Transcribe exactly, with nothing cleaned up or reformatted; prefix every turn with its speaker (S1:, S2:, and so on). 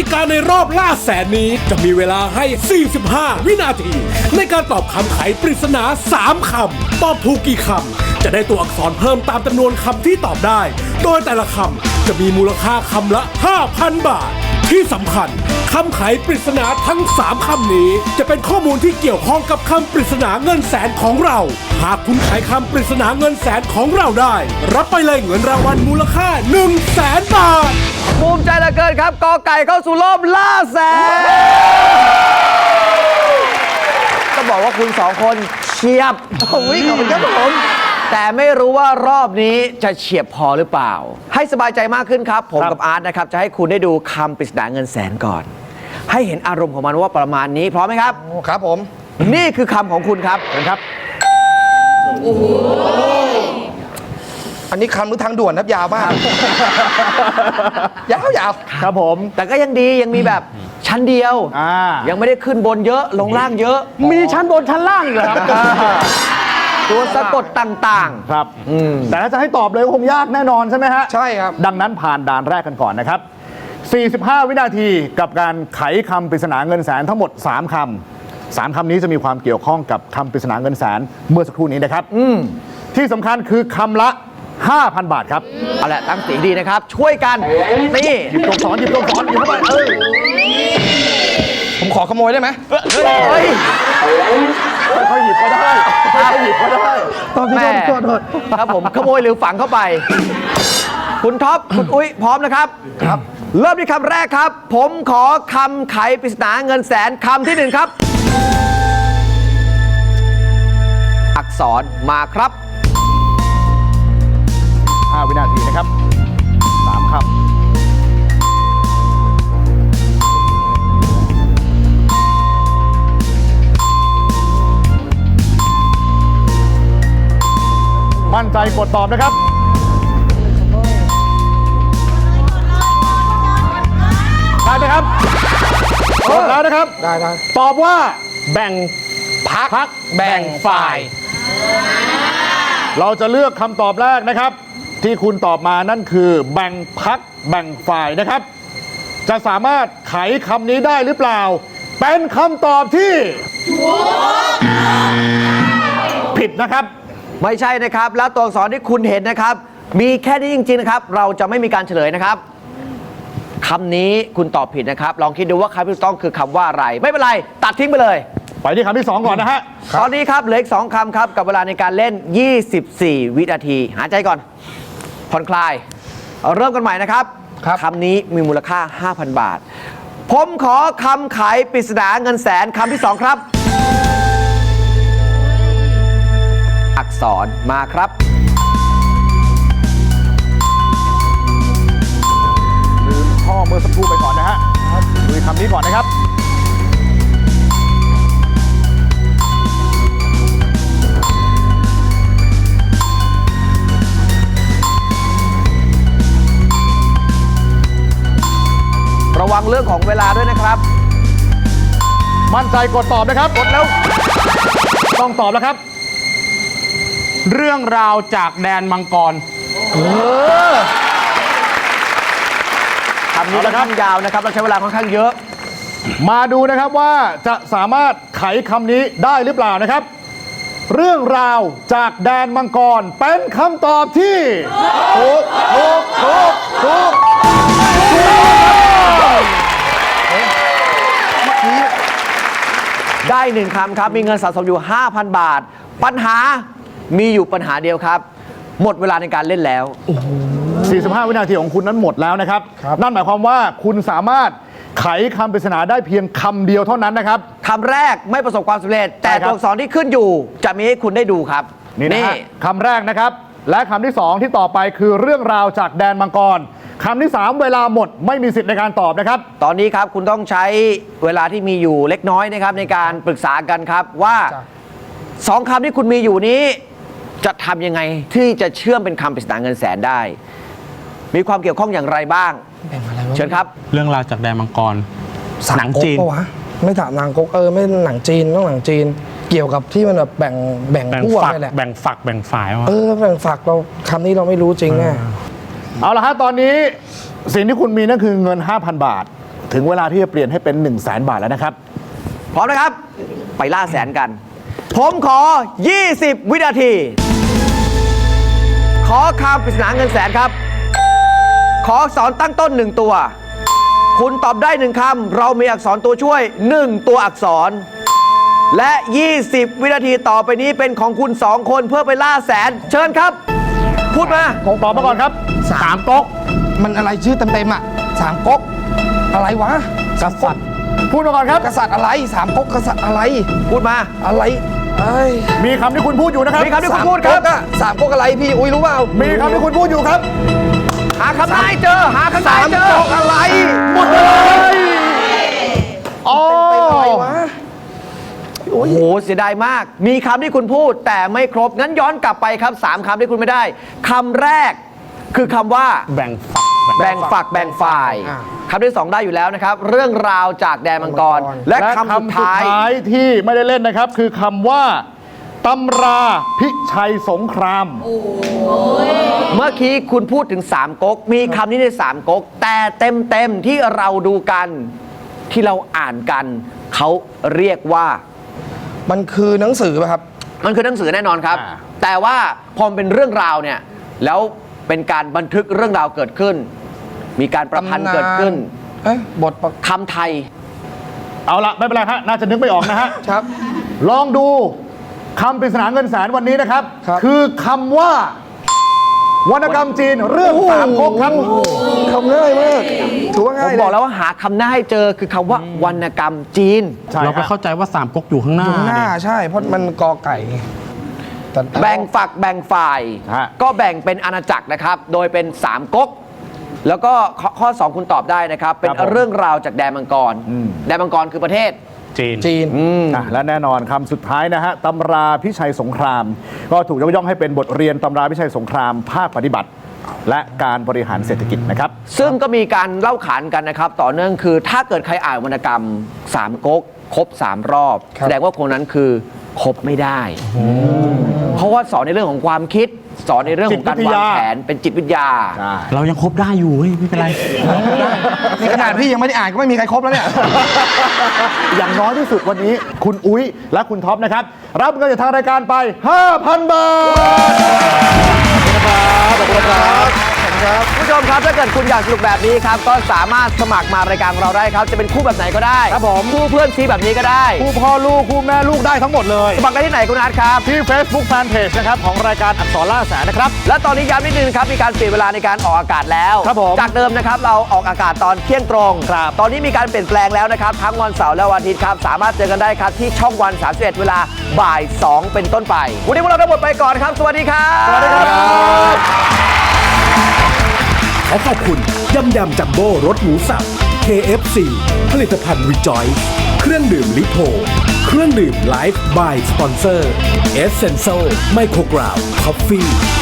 S1: ติกาในรอบล่าแสนนี้จะมีเวลาให้ สี่สิบห้า วินาที ในการตอบคำไขปริศนา สาม คำ ตอบถูกกี่คำจะได้ตัวอักษรเพิ่มตามจำนวนคำที่ตอบได้ โดยแต่ละคำจะมีมูลค่าคำละ ห้าพัน บาท ที่สำคัญคำไขปริศนาทั้ง สาม คำนี้จะเป็นข้อมูลที่เกี่ยวข้องกับคำปริศนาเงินแสนของเรา หากคุณไขคำปริศนาเงินแสนของเราได้ รับไปเลยเงินรางวัลมูลค่า หนึ่งแสน บาท
S2: ภูมิใจเหลือเกินครับกอไก่เข้าสู่รอบล่าแสนก็บอกว่าคุณสองคนเฉียบโอ้ยขอบคุณครับผมแต่ไม่รู้ว่ารอบนี้จะเฉียบพอหรือเปล่า ให้สบายใจมากขึ้นครับ ผมกับอาร์ตนะครับจะให้คุณได้ดูคำปริศนาเงินแสนก่อน ให้เห็นอารมณ์ของมันว่าประมาณนี้พร้อมไหมครับ
S3: ครับผม
S2: นี่คือคำของคุณครับเห็นครับ
S3: อันนี้คำหรือทางด่วนครับยาวมาก ยาวยาว
S4: ครับผม
S2: แต่ก็ยังดียังมีแบบชั้นเดียว
S4: อ่า
S2: ยังไม่ได้ขึ้นบนเยอะลงล่างเยอะ
S4: มีชั้นบนชั้นล่างอีกเหรอครับ
S2: ตัวสะกดต่างๆ
S4: ครับแต่ถ้าจะให้ตอบเลยคงยากแน่นอนใช่ไหมฮะ
S3: ใช่ครับ
S4: ดังนั้นผ่านด่านแรกกันก่อนนะครับ สี่สิบห้า วินาทีกับการไขคำปริศนาเงินแสนทั้งหมด สาม คำ สาม คำนี้จะมีความเกี่ยวข้องกับคำปริศนาเงินแสนเมื่อสักครู่นี้นะครับที่สำคัญคือคำละ ห้าพัน บาทครับ
S2: เอาละตั้งเสียงดีนะครับ ช่วยกันนี่
S4: หยิบตัวสอนหยิบตัวสอนหยิบเข้าไปเอ้ย
S3: ผมขอขโมยได้ไหม
S2: เฮ้ย
S4: ค่อยๆหยิบก็ได้ค่อยๆหยิบก็ได้
S2: แม่ครับผมขโมยหรือฝังเข้าไป คุณท็อปคุณอุ้ยพร้อมนะครับ
S3: ครับ
S2: เริ่มที่คำแรกครับ ผมขอคำไขปริศนาเงินแสนคำที่หนึ่งครับ อักษรมาครับ
S4: ห้า วินาทีนะครับสามคำมั่นใจกดตอบนะครับได้ไหมครับกดแล้วนะครับ
S3: ได้ได้
S4: ตอบว่า
S3: แบ่งพัก
S4: พัก
S3: แบ่งฝ่าย
S4: เราจะเลือกคำตอบแรกนะครับ ที่คุณตอบมานั่นคือแบ่งพักแบ่งฝ่ายนะครับ จะสามารถไขคำนี้ได้หรือเปล่า เป็นคำตอบที่ผิดนะครับ
S2: ไม่ใช่นะครับ แล้วตัวอักษรที่คุณเห็นนะครับ มีแค่นี้จริงๆนะครับ เราจะไม่มีการเฉลยนะครับคำนี้คุณตอบผิดนะครับ ลองคิดดูว่าคำที่ถูกต้องคือคำว่าอะไร ไม่เป็นไร ตัดทิ้งไปเลย
S4: ไปที่คำที่สองก่อนนะฮะ
S2: ตอนนี้ครับเหลืออีกสองคำครับ กับเวลาในการเล่น ยี่สิบสี่ วินาที หายใจก่อน ผ่อนคลาย เริ่มกันใหม่นะครับ
S3: ครับ
S2: คำนี้มีมูลค่า ห้าพัน บาท ผมขอคำไขปริศนาเงินแสนคำที่สองครับ อักษรมาครับ
S4: ลืมข้อเมื่อสักครู่ไปก่อนนะฮะดูคำนี้ก่อนนะครับ
S2: ระวังเรื่องของเวลาด้วยนะครับ
S4: มั่นใจกดตอบนะครับ
S2: กดแล้ว
S4: ต้องตอบแล้วครับ
S5: เรื่องราวจากแดนมังกร
S2: คำนี้ค่อนข้างยาวนะครับ เราใช้เวลาค่อนข้างเยอะ
S4: มาดูนะครับว่าจะสามารถไขคำนี้ได้หรือเปล่านะครับ เรื่องราวจากแดนมังกรเป็นคำตอบที่ถูกถูกถูกถูก
S2: ได้หนึ่งคำครับ มีเงินสะสมอยู่ ห้าพัน บาท ปัญหามีอยู่ปัญหาเดียวครับ หมดเวลาในการเล่นแล้ว
S4: สี่สิบห้า วินาทีของคุณนั้นหมดแล้วนะครับ นั่นหมายความว่าคุณสามารถไขคำปริศนาได้เพียงคำเดียวเท่านั้นนะครับ
S2: คำแรกไม่ประสบความสำเร็จ แต่
S4: ใช่ครับ
S2: ตัวอักษรที่ขึ้นอยู่ จะมีให้คุณได้ดูครับ
S4: นี่นะฮะคำแรกนะครับ และคำที่สองที่ต่อไปคือเรื่องราวจากแดนมังกรคำที่สามเวลาหมดไม่มีสิทธิ์ในการตอบนะครับ
S2: ตอนนี้ครับคุณต้องใช้เวลาที่มีอยู่เล็กน้อยนะครับในการปรึกษากันครับว่าสองคำที่คุณมีอยู่นี้ จะทำยังไงที่จะเชื่อมเป็นคำปริศนาเงินแสนได้ มีความเกี่ยวข้องอย่างไรบ้าง
S3: แบ่งอะไรวะ
S2: เชิญครับ
S5: เรื่องราวจากแดนมังกร หนังจีน
S6: ปะวะไม่ถามนางก๊กเออไม่หนังจีนต้องหนังจีน เกี่ยวกับที่มันแบบแบ่งแบ่ง
S5: แบ่ง
S6: พวก
S5: ฝัก
S6: นี่แหละ
S5: แบ่งฝักแบ่งฝ่ายวะ
S6: เออแบ่งฝักเราคำนี้เราไม่รู้จริงแน่
S4: เอาละฮะตอนนี้สิ่งที่คุณมีนั่นคือเงิน ห้าพัน บาทถึงเวลาที่จะเปลี่ยนให้เป็น 1 0 0 0 0แสนบาทแล้วนะครับ
S2: พร้อมนะครับ ไปล่าแสนกัน ผมขอ ยี่สิบ วินาที ขอคำปริศนาเงินแสนครับ ขออักษรตั้งต้นหนึ่งตัว คุณตอบได้หนึ่งคำเรามีอักษรตัวช่วยหนึ่งตัวอักษร และ ยี่สิบ วินาทีต่อไปนี้เป็นของคุณสองคนเพื่อไปล่าแสน เชิญครับ พูดมา
S4: คงตอบมาก่อนครับ
S3: สามก๊กมันอะไรชื่อเต็มๆอ่ะสามก๊กอะไรวะกษัตริย์
S4: พูดมาก่อนครับ
S3: กษัตริย์อะไรสามก๊กกษัตริย์อะไร
S2: พูดมา
S3: อะไรเอ้ย
S4: มีคำที่คุณพูดอยู่นะครับ
S2: มีคำที่คุณพูดครับ
S3: สามก๊กอะสามก๊กอะไรพี่อุ้ยรู้เปล่า
S4: มีคำที่คุณพูดอยู่ครับ
S2: หาคำได้เจอ หาคำได้
S3: สาม
S2: เจอ
S3: ก๊กอะไร
S4: หมดเลยอ๋อ
S3: เป็นอะไรวะ
S2: โอ้โห เสียดายมาก มีคำที่คุณพูดแต่ไม่ครบ งั้นย้อนกลับไปครับสามคำที่คุณไม่ได้คำแรกคือคำว่า
S5: แบ่งฝัก
S2: แบ่งฝักแบ่งฝ่าย
S3: อ่า
S2: คำที่สองได้อยู่แล้วนะครับ เรื่องราวจากแดนมังกร และ
S4: และ
S2: คำสุดท้าย
S4: ที่ไม่ได้เล่นนะครับ คือคำว่าตำราพิชัยสงคราม
S2: เมื่อกี้คุณพูดถึงสามก๊ก มีคำนี้ในสามก๊ก แต่เต็มเต็มๆที่เราดูกันที่เราอ่านกัน เขาเรียกว่า
S3: มันคือหนังสือป่ะครับ
S2: มันคือหนังสือแน่นอนครับ
S4: อ่า
S2: แต่ว่าพอมันเป็นเรื่องราวเนี่ย แล้วเป็นการบันทึกเรื่องราวเกิดขึ้น มีการประพันธ์เกิดขึ้น
S3: เอ๊ะบทประ
S2: คำไทย
S4: เอาละไม่เป็นไรฮะน่าจะนึกไม่ออกนะฮะ
S3: ครับ
S4: ลองดูคำปริศนาเงินแสนวันนี้นะครับ
S3: ครับ
S4: คือคำว่าวรรณกรรมจีนเรื่องสามก๊กครับ
S3: คำง่ายมากถือว่า
S2: ผ
S3: ง่าย
S2: ม
S3: เลย
S2: บอกแล้วว่าหาคำหน้าให้เจอคือคำว่าวรรณกรรมจีน
S4: ใช่
S5: เราไป
S4: ฮะ
S5: เข้าใจว่าสามก๊กอยู่ข้างหน้า
S3: อยู่ข้างหน้า
S5: ดิ
S3: ใช่ เพราะมันกอไก่แต่
S2: แบ่งฝักแบ่งฝ่าย
S4: ฮะ
S2: ก็แบ่งเป็นอาณาจักรนะครับ โดยเป็นสามก๊ก แล้วก็ข้อข้อสองคุณตอบได้นะครับ เป็น
S4: ครับผม
S2: เรื่องราวจากแดนมังกร
S4: อืม
S2: แดนมังกรคือประเทศ
S5: จีน
S3: จีน
S4: อ่ะและแน่นอนคำสุดท้ายนะฮะตำราพิชัยสงคราม ก็ถูกยกย่องให้เป็นบทเรียนตำราพิชัยสงคราม ภาคปฏิบัติ และการบริหารเศรษฐกิจนะครับ
S2: ซึ่งก็มีการเล่าขานกันนะครับ ต่อเนื่องคือถ้าเกิดใครอ่านวรรณกรรมสามก๊กครบสามรอบ
S3: ครับ
S2: แสดงว่าคนนั้นคือครบไม่ได้ เพราะว่าสอนในเรื่องของความคิด สอนในเรื่องของการ
S4: จิตวิท
S2: วาง
S4: ยา
S2: แผนเป็นจิตวิทยา
S5: เรายังคบได้อยู่เฮ้ยไม่เป็นไร
S3: นี่ขนาดพี่ยังไม่ได้อ่านก็ไม่มีใครครบแล้วเนี่ย
S4: อย่างน้อยที่สุดวันนี้คุณอุ้ยและคุณท็อปนะครับ รับเงินจากทางรายการไป ห้าพัน บาท ขอบคุณครับขอบคุณครับ
S2: คุณผู้ชมครับถ้าเกิดคุณอยากสนุกแบบนี้ครับก็สามารถสมัครมารายการของเราได้ครับ จะเป็นคู่แบบไหนก็ได้
S4: ครับผม
S2: คู่เพื่อนซีแบบนี้ก็ได้
S4: คู่พ่อลูกคู่แม่ลูกได้ทั้งหมดเลย
S2: สมัครได้ที่ไหนคุณอาร์ตครับ
S4: ที่ Facebook Fanpage นะครับของรายการอักษรล่าแสนนะครับ
S2: และตอนนี้ย้ำนิดนึงครับมีการเปลี่ยนเวลาในการออกอากาศแล้ว
S4: ครับผม
S2: จากเดิมนะครับเราออกอากาศตอนเที่ยงตรง
S4: ครับ
S2: ตอนนี้มีการเปลี่ยนแปลงแล้วนะครับทั้งวันเสาร์และวันอาทิตย์ครับสามารถเจอกันได้ครับที่ช่องวันสามสิบเอ็ดเวลาบ่ายสองเป็นต้นไป วันนี้พวกเราทั้งหมดไปก่อนครับ สวัสดีครับ
S4: สวัสดีครับ
S1: ขอขอบคุณยำยำจัมโบ้รสหมูสับ เค เอฟ ซี ผลิตภัณฑ์รีจอยส์เครื่องดื่มลิโพเครื่องดื่มไลฟ์บายสปอนเซอร์เอสเซนโซไมโครกราวคอฟฟี่